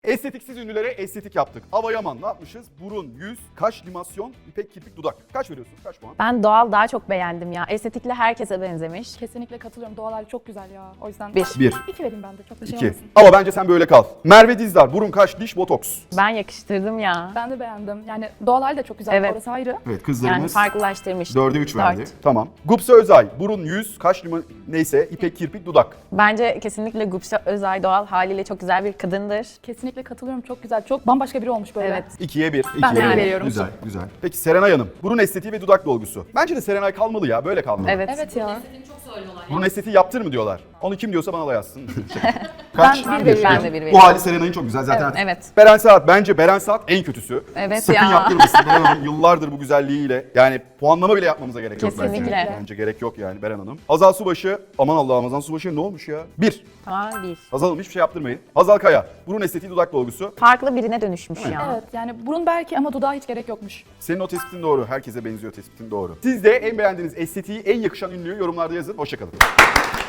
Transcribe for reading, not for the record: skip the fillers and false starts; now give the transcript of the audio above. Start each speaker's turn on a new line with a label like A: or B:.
A: Estetiksiz ünlülere estetik yaptık. Ava Yaman ne yapmışız? Burun, yüz, kaş, limasyon, ipek, kirpik, dudak. Kaç veriyorsun? Kaç puan?
B: Ben doğal daha çok beğendim ya. Estetikle herkese benzemiş.
C: Kesinlikle katılıyorum. Doğal hali çok güzel ya. O yüzden
B: 1.
A: 1,
C: 2 vereyim ben de. Çok da şey
A: 2.
C: olmasın.
A: Ama bence sen böyle kal. Merve Dizdar, burun, kaş, diş, botoks.
B: Ben yakıştırdım ya.
C: Ben de beğendim. Yani doğal hali de çok güzel.
B: Evet.
C: Orası ayrı.
A: Evet
B: Yani
A: kızlarımız
B: farklılaştırmış.
A: 4'e 3 verdi.
B: 4.
A: Tamam. Gupse Özay, burun, yüz, kaş, neyse, ipek, kirpik, dudak.
B: Bence kesinlikle Gupse Özay doğal haliyle çok güzel bir kadındır.
C: Kesinlikle katılıyorum. Çok güzel. Çok bambaşka biri olmuş böyle.
B: Evet.
A: 2'ye 1.
C: Ben de
A: 2'ye
C: bir
A: bir.
C: veriyorum.
A: Güzel, güzel. Peki Serenay Hanım, burun estetiği ve dudak dolgusu. Bence de Serenay kalmalı ya, böyle kalmalı.
B: Evet.
C: Evet ya.
A: Burun estetiği yaptır mı diyorlar. Onu kim diyorsa bana da yazsın. Kaç?
C: Ben bir
A: Bir.
C: veriyorum.
B: Ben de bir
A: Bu
B: veriyorum.
A: hali Serenay'ın çok güzel zaten.
B: Evet.
A: Beren Saat, bence Beren Saat en kötüsü.
B: Evet
A: Sakın
B: ya.
A: yaptırmasın Beren Hanım, yıllardır bu güzelliğiyle. Yani puanlama bile yapmamıza gerek yok bence.
B: Kesinlikle.
A: Bence gerek yok yani Beren Hanım. Hazal Subaşı, aman Allah'ım Hazal Subaşı ne olmuş ya? 1.
B: Tamam 1.
A: Hazal Hanım hiçbir şey yaptırmayın. Hazal Kaya, burun estetiği dudak dolgusu.
B: Farklı birine dönüşmüş ya.
C: Evet yani burun belki ama dudağa hiç gerek yokmuş.
A: Senin o tespitin doğru. Herkese benziyor tespitin doğru. Siz de en beğendiğiniz estetiği en yakışan ünlüyü yorumlarda yazın. Hoşçakalın.